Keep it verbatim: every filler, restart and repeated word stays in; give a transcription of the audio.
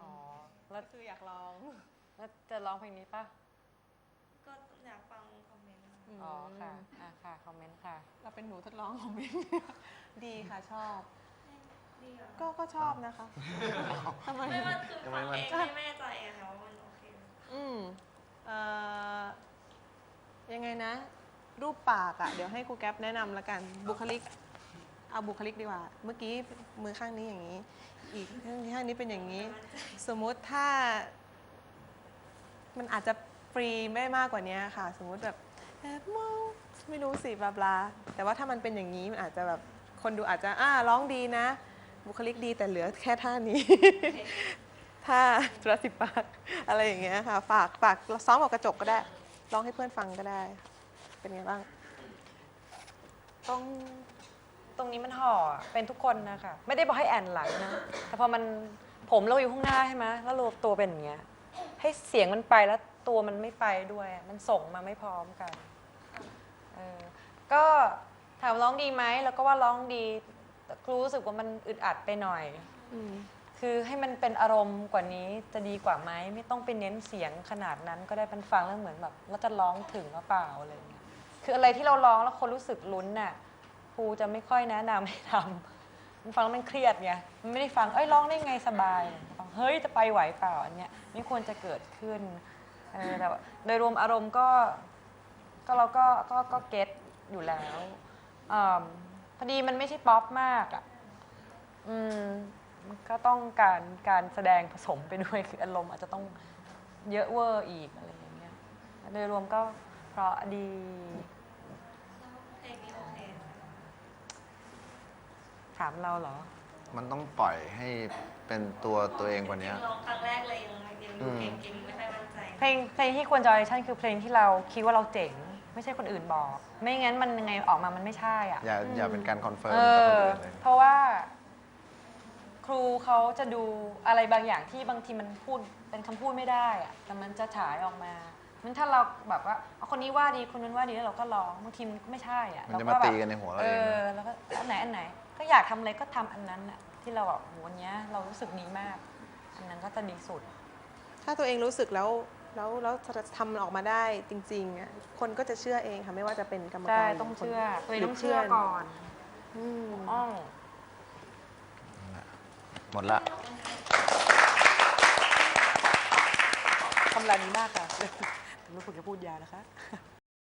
อ๋อแล้วคืออยากลองแล้วจะร้องเพลงนี้ปะก็อยากฟังคอมเมนต์ค่ะอ๋อค่ะอ่ะค่ะคอมเมนต์ค่ะเราเป็นหนูทดลองของมิน ดีค่ะชอบดีเหรอก็ก็ชอบนะคะทำไมไม่ว่าคือฟังเองไม่แน่ใจอะค่ะว่ามันโอเคไหมอืมเอ่อยังไงนะ รูปปากอะเดี๋ยวให้ครูแก๊ปแนะนำละกันบุคลิก เอาบุคลิกดีกว่า เมื่อกี้มือข้างนี้อย่างนี้ อีกข้างข้างนี้เป็นอย่างนี้ สมมุติถ้า มันอาจจะฟรีไม่มากกว่านี้ค่ะ สมมุติแบบแอบมองไม่รู้สิบลาบลาแต่ว่าถ้ามันเป็นอย่างนี้มันอาจจะแบบคนดูอาจจะอ่าร้องดีนะ บุคลิกดีแต่เหลือแค่ท่านี้ ท่าจุลศิลปากอะไรอย่างเงี้ยค่ะ ฝากฝากซ้อมกับกระจกก็ได้ร้องให้เพื่อนฟังก็ได้ เป็นไงบ้างตรงตรงนี้มันห่อเป็นทุกคนนะคะไม่ได้บอกให้แอนหลังนะแต่พอมันผมเราอยู่ข้างหน้าใช่ไหมแล้วเราตัวเป็นอย่างเงี้ยให้เสียงมันไปแล้วตัวมันไม่ไปด้วยมันส่งมาไม่พร้อมกันเออก็ถามร้องดีไหมแล้วก็ว่าร้องดีแต่ครูรู้สึกว่ามันอึดอัดไปหน่อยอืมคือให้มันเป็นอารมณ์กว่านี้จะดีกว่าไหมไม่ต้องไปเน้นเสียงขนาดนั้นก็ได้มันฟังแล้วเหมือนแบบเราจะร้องถึงหรือเปล่าอะไรอย่างเงี้ยคืออะไรที่เราร้องแล้วคนรู้สึกลุ้นน่ะครูจะไม่ค่อยแนะนำให้ทำมันฟังแล้วมันเครียดไงมันไม่ได้ฟังเอ้ยร้องได้ไงสบายฟังเฮ้ยจะไปไหวเปล่าอันเนี้ยไม่ควรจะเกิดขึ้นเออแต่โดยรวมอารมณ์ก็ก็เราก็ก็ก็เก็ตอยู่แล้วอพอดีมันไม่ใช่ป๊อปมากอ่ะอืมก็ต้องการการแสดงผสมไปด้วยคืออารมณ์อาจจะต้องเยอะเวอร์อีกอะไรอย่างเงี้ยโดยรวมก็เพราะดีเพลงนี้โอเคไหมถามเราเหรอมันต้องปล่อยให้เป็นตัวตัวเองกว่านี้ร้องครั้งแรกเลยยังยังดูเก่งๆไม่ค่อยมั่นใจเพลงเพลงที่ควรจะออดิชั่นคือเพลงที่เราคิดว่าเราเจ๋ง ไม่ใช่คนอื่นบอก ไม่งั้นมันยังไงออกมามันไม่ใช่อ่ะอย่าอย่าเป็นการคอนเฟิร์มเอกับคนออื่นเลยเพราะว่าครูเขาจะดูอะไรบางอย่างที่บางทีมันพูดเป็นคำพูดไม่ได้อะแต่มันจะฉายออกมามันถ้าเราแบบว่าเอาคนนี้ว่าดีคนนั้นว่าดีแล้วเราก็ร้องบางทีมันก็ไม่ใช่อ่ะมันจะเรมาก็แบบตีกันในหัวเราเอเองอนะแล้วก็อันไหนอันไหน ก็อยากทำอะไรก็ทำอันนั้นอ่ะที่เราแบบโหวันเนี้ยเรารู้สึกดีมาก อันนั้นก็จะดีสุดถ้าตัวเองรู้สึกแล้วแล้วแล้วทำมันออกมาได้จริงๆอ่ะคนก็จะเชื่อเองค่ะไม่ว่าจะเป็นกรรมใช่การต้องหรืเชื่อคนตัวเองหรืต้องเชื่อก่อนอืมอ้องหมดละคำรามนี้มากค่ะ ไม่ควรจะพูดยาวนะคะ